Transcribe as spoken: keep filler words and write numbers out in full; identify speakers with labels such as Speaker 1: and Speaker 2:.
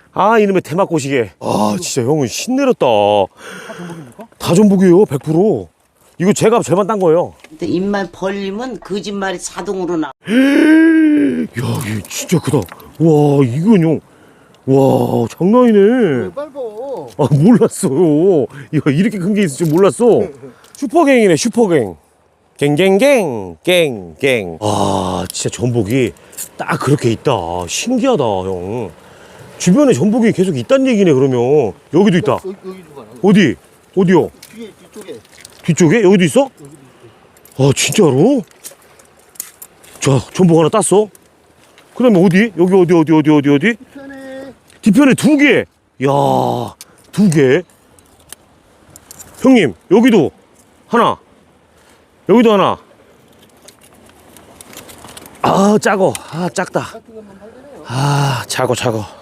Speaker 1: 아 이놈의 대마꼬시게. 아 진짜 형은 신내렸다.
Speaker 2: 다 전복입니까?
Speaker 1: 다 전복이에요 백 퍼센트. 이거 제가 절반 딴 거예요.
Speaker 3: 근데 입만 벌리면 거짓말이 자동으로 나.
Speaker 1: 야 이게 진짜 크다. 와 이건 형. 와 장난이네.
Speaker 2: 빨고.
Speaker 1: 아 몰랐어요. 야 이렇게 큰 게 있을 줄 몰랐어. 슈퍼갱이네 슈퍼갱. 갱갱갱 갱갱. 아 진짜 전복이 딱 그렇게 있다. 신기하다 형. 주변에 전복이 계속 있다는 얘기네. 그러면 여기도 있다.
Speaker 2: 여기, 여기도 봐.
Speaker 1: 어디? 어디요?
Speaker 2: 뒤에 뒤쪽에.
Speaker 1: 뒤쪽에? 여기도 있어? 아 진짜로? 자 전복 하나 땄어. 그 다음에 어디? 여기 어디 어디 어디 어디 어디?
Speaker 2: 편에.
Speaker 1: 뒤편에 두 개. 야, 두 개. 형님, 여기도 하나. 여기도 하나. 아, 작어. 아, 작다. 아, 작어, 작어.